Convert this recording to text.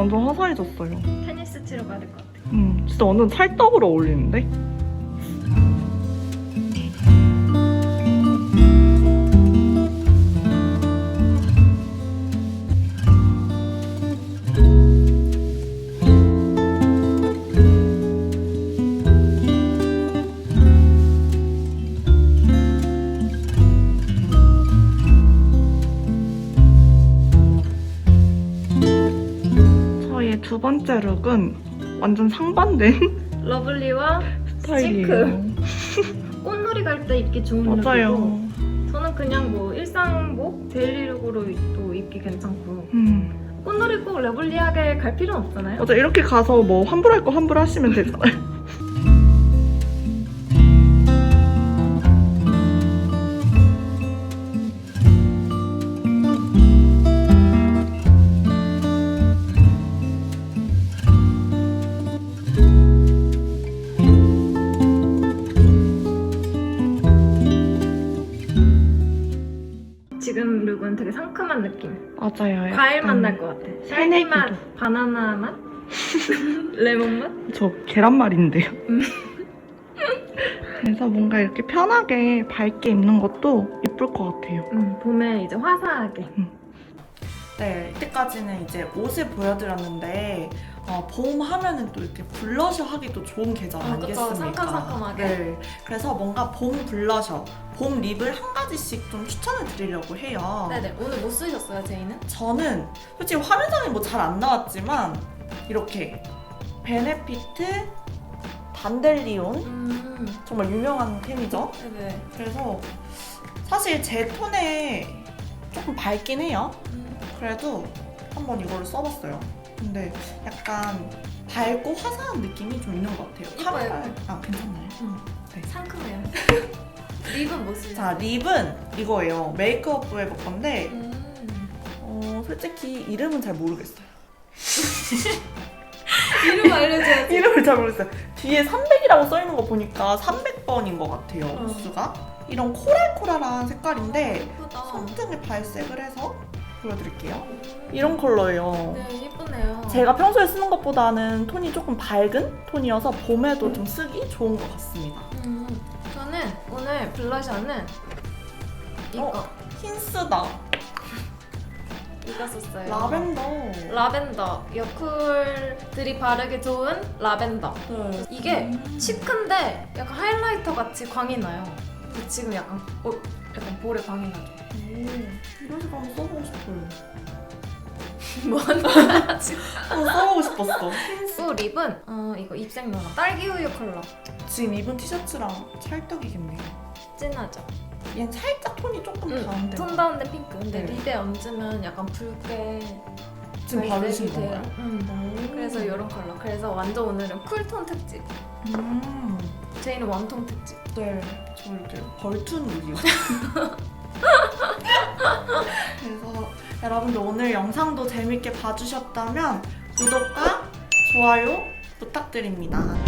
완전 화사해졌어요. 테니스 치러 가야 될 것 같아. 진짜 완전 찰떡으로 어울리는데? 저희의 두 번째 룩은 완전 상반된 러블리와 스타일이에요. 꽃놀이 갈 때 입기 좋은 맞아요. 룩이고 저는 그냥 뭐 일상복, 데일리룩으로 또 입기 괜찮고 꽃놀이 꼭 러블리하게 갈 필요는 없잖아요. 맞아, 이렇게 가서 뭐 환불할 거 환불하시면 되잖아요. 지금 룩은 되게 상큼한 느낌. 맞아요. 과일 맛 날 것 같아. 딸기 새내기도. 맛, 바나나 맛, 레몬 맛. 저 계란말인데요. 그래서 뭔가 이렇게 편하게 밝게 입는 것도 예쁠 것 같아요. 봄에 이제 화사하게. 네, 이때까지는 이제 옷을 보여드렸는데 봄 하면은 또 이렇게 블러셔 하기도 좋은 계절 아니겠습니까? 그쵸, 상큼상큼하게. 네, 그래서 뭔가 봄 블러셔, 봄 립을 한 가지씩 좀 추천을 드리려고 해요. 네네. 오늘 뭐 쓰셨어요, 제이는? 저는 솔직히 화면상에 뭐 잘 안 나왔지만 이렇게 베네피트 단델리온 정말 유명한 템이죠. 네네. 그래서 사실 제 톤에 조금 밝긴 해요. 그래도 한번 이거를 써봤어요. 근데 약간 밝고 화사한 느낌이 좀 있는 것 같아요. 이뻐요. 아, 괜찮나요? 네. 상큼해요. 립은 뭐 쓰세요? 자, 립은 이거예요. 메이크업 브레버 건데 솔직히 이름은 잘 모르겠어요. 이름 알려줘야지. 이름을 잘 모르겠어요. 뒤에 300이라고 써있는 거 보니까 300번인 것 같아요, 호수가. 이런 코랄코랄한 색깔인데 예쁘다. 손등에 발색을 해서 보여드릴게요. 이런 컬러예요. 네, 예쁘네요. 제가 평소에 쓰는 것보다는 톤이 조금 밝은 톤이어서 봄에도 좀 쓰기 좋은 것 같습니다. 저는 오늘 블러셔는 이거 힌스다. 이거 썼어요. 라벤더. 여쿨들이 바르기 좋은 라벤더. 네. 이게 시큰데 약간 하이라이터 같이 광이 나요. 근데 지금 약간 볼에 광이 나죠. 이런 색깔 한번 써보고 싶어요. 뭐 하는 거야 지금? 한번 써보고 싶었어. 또 립은 이거 입생 노랑 딸기 우유 컬러. 지금 입은 티셔츠랑 찰떡이겠네요. 진하죠? 얘는 살짝 톤이 조금 다운데. 톤 다운된 핑크. 근데 네. 립에 얹으면 약간 붉게 지금 바르신 건가요? 그래서 이런 컬러. 그래서 완전 오늘은 쿨톤 특집. 제이는 웜톤 특집. 네, 저 이렇게 벌툰 룩이요. 그래서 여러분들 오늘 영상도 재밌게 봐주셨다면 구독과 좋아요 부탁드립니다.